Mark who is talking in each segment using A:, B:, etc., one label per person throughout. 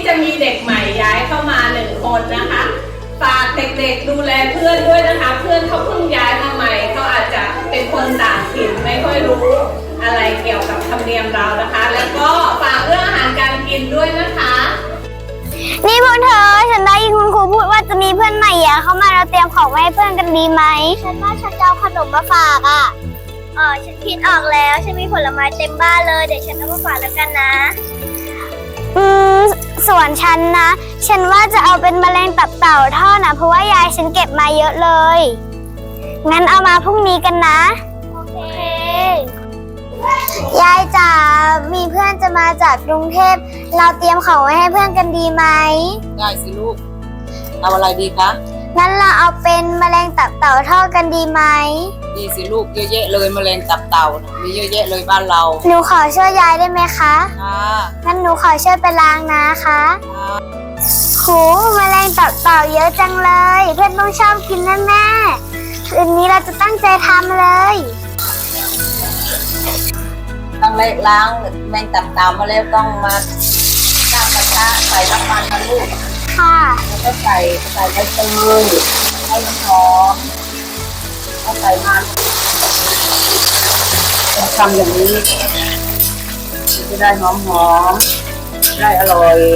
A: จะมีเด็กใหม่ย้ายเข้ามา1 คนนะคะฝากเด็กๆดูแลเพื่อนด้วยนะคะเพื่อนเขาเพิ่งย้ายมาใหม่เขาอาจจะเป็นคนต่างถิ่นไม่ค่อยรู้อะไรเกี่ยวกับธรรมเนียมเรานะคะแล้วก็ฝากเรื่องอาหารการกินด้วยนะคะ
B: นี่พวกเธอฉันได้ยินคุณครูพูดว่าจะมีเพื่อนใหม่เข้ามาเราเตรียมของไว้ให้เพื่อนกันดีไหมฉันว่าฉันจะเอาขนมมาฝากฉันคิดออกแล้วฉันมีผลไม้เต็มบ้านเลยเดี๋ยวฉันเอามาฝากแล้วกันนะส่วนฉันนะฉันว่าจะเอาเป็นแมลงตับเต่าทอดนะเพราะว่ายายฉันเก็บมาเยอะเลยงั้นเอามาพรุ่งนี้กันนะโอเคยายจ๋ามีเพื่อนจะมาจากกรุงเทพเราเตรียมของไว้ให้เพื่อนกันดีไหม
C: ได้สิลูกเอาอะไรดีคะ
B: งั้นเราเอาเป็นแมลงตับเต่าทอดกันดีไหม
C: ดีสิลูกเยอะแยะเลยแมลงตับเต่ามีเยอะแยะเลยบ้านเรา
B: หนูขอช่วยยายได้ไหมคะ
C: งั้
B: นหนูขอช่วยไปล้างนะคะโหแมลงตับเต่าเยอะจังเลยเพื่อนต้องชอบกินแน่ๆคืนนี้เราจะตั้งใจทำเลย
C: ต้องล้างแมงตับเต่ามาแล้วต้องมาตั้งกระทะใส่น้ำมันนะลูก
B: ค่ะ
C: แล้วก็ใส่ใบเตยให้มันหอมแล้วใส่มันทำอย่างนี้จะได้หอมได้อร่อย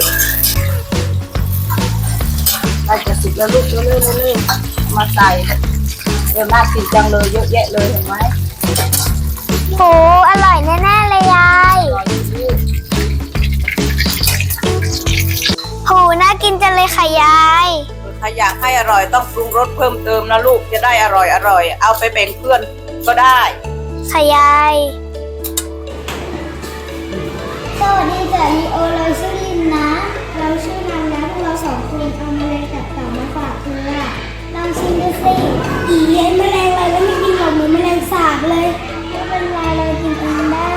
C: ได้จะสุกแล้วลูกเร็วๆมาใส่น่ากินจังเลยเยอะแยะเลยเห็นไหม
B: โหอร่อยแน่ๆเลยยายโหน่ากินจังเลยค่ะยาย
C: ถ้าอยากให้อร่อยต้องปรุงรสเพิ่มเติมนะลูกจะได้อร่อยเอาไปแบ่งเพื่อนก็ได้
B: ค่ะยายสวัสดีจ้ะลีโอเราชื่อลินนะเราชื่อนางนะพวกเรา2 คนเอาแมลงตับเต่ามาฝากเธอลองชิมดูสิเย็นแมลงอะไรแล้วไม่กินหรอกเหมือนแมลงสาบเลยไม่เป็นไรเรากินเองได้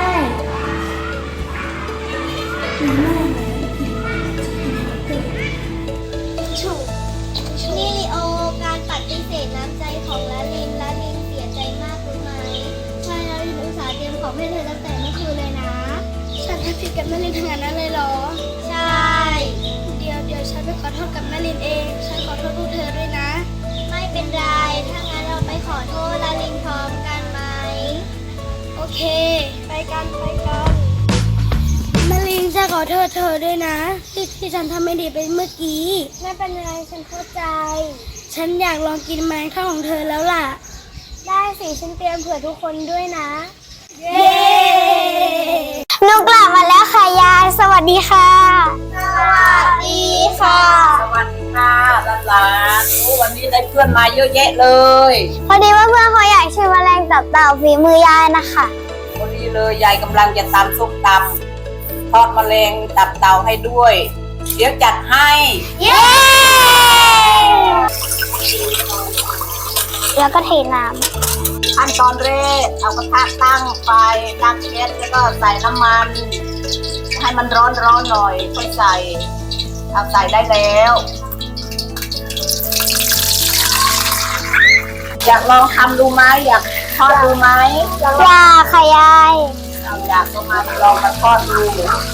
B: นี่ลีโอการปฏิเสธน้ำใจของลาลินเสียใจมากรู้ไหมใช่ลาลินอุตส่าห์เตรียมของให้เธอตั้งแต่เมื่อคืนเลยนะฉันทำผิดกับแม่ลินขนาดนั้นเลยเหรอใช่เดี๋ยวฉันไปขอโทษกับแม่ลินเองฉันขอโทษพวกเธอด้วยนะไม่เป็นไรถ้างั้นเราไปขอโทษลาลินพร้อมกันไหมโอเคไปกันแม่ลินจะขอโทษเธอด้วยนะที่ฉันทำไม่ดีไปเมื่อกี้ไม่เป็นไรฉันเข้าใจฉันอยากลองกินแมลงทอดของเธอแล้วล่ะได้สิฉันเตรียมเผื่อทุกคนด้วยนะเย้หนูกลับมาแล้วค่ะยายสวัสดีค่ะสวัสดีค่ะ
C: สวัสดีค่ะหลานวันนี้ได้เพื่อนมาเยอะแยะเลย
B: พอดีว่าเพื่อนเขาอยากชิมแมลงตับเต่าฝีมือยายนะคะ
C: พอดีเลยยายกำลังจะตำส้มตำทอดแมลงตับเต่าให้ด้วยเดี๋ยวจัดให้
B: เย้แล้วก็เทน้ำ
C: ขั้นตอนแรกเอากระทะตั้งไฟตั้งแก๊สแล้วก็ใส่น้ำมันให้มันร้อนหน่อยค่อยใส่ได้แล้วอยากลองทำดูไหมอยากทอดดูไหม
B: อยากค่ะยาย
C: อยากก็มาลองมาทอดดู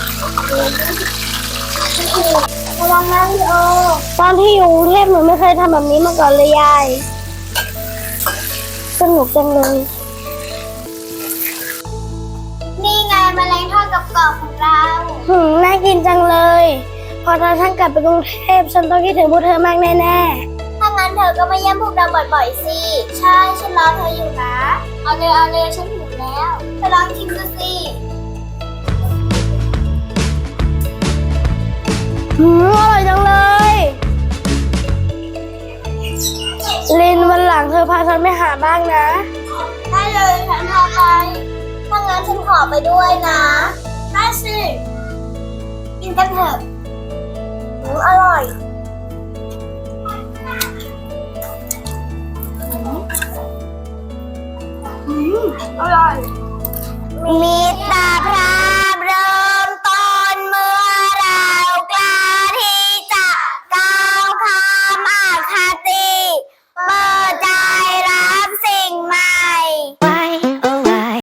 B: ระวังนะพี่โอตอนที่อยู่กรุงเทพหนูไม่เคยทำแบบนี้มาก่อนเลยยายสนุกจังเลยนี่ไงแมลงทอดกับกรอบของเราน่ากินจังเลยพอฉันกลับไปกรุงเทพฉันต้องคิดถึงพวกเธอมากแน่ๆถ้างั้นเธอก็มาเยี่ยมพวกเราบ่อยๆสิใช่ฉันรอเธออยู่นะเอาเลยฉันหิวแล้วไปลองชิมดูสิอร่อยจังเลยลินวันหลังเธอพาฉันไปหาบ้างนะได้เลยฉันพาไปถ้างั้นฉันขอไปด้วยนะได้สิกินกันเถอะอร่อยอร่อยมี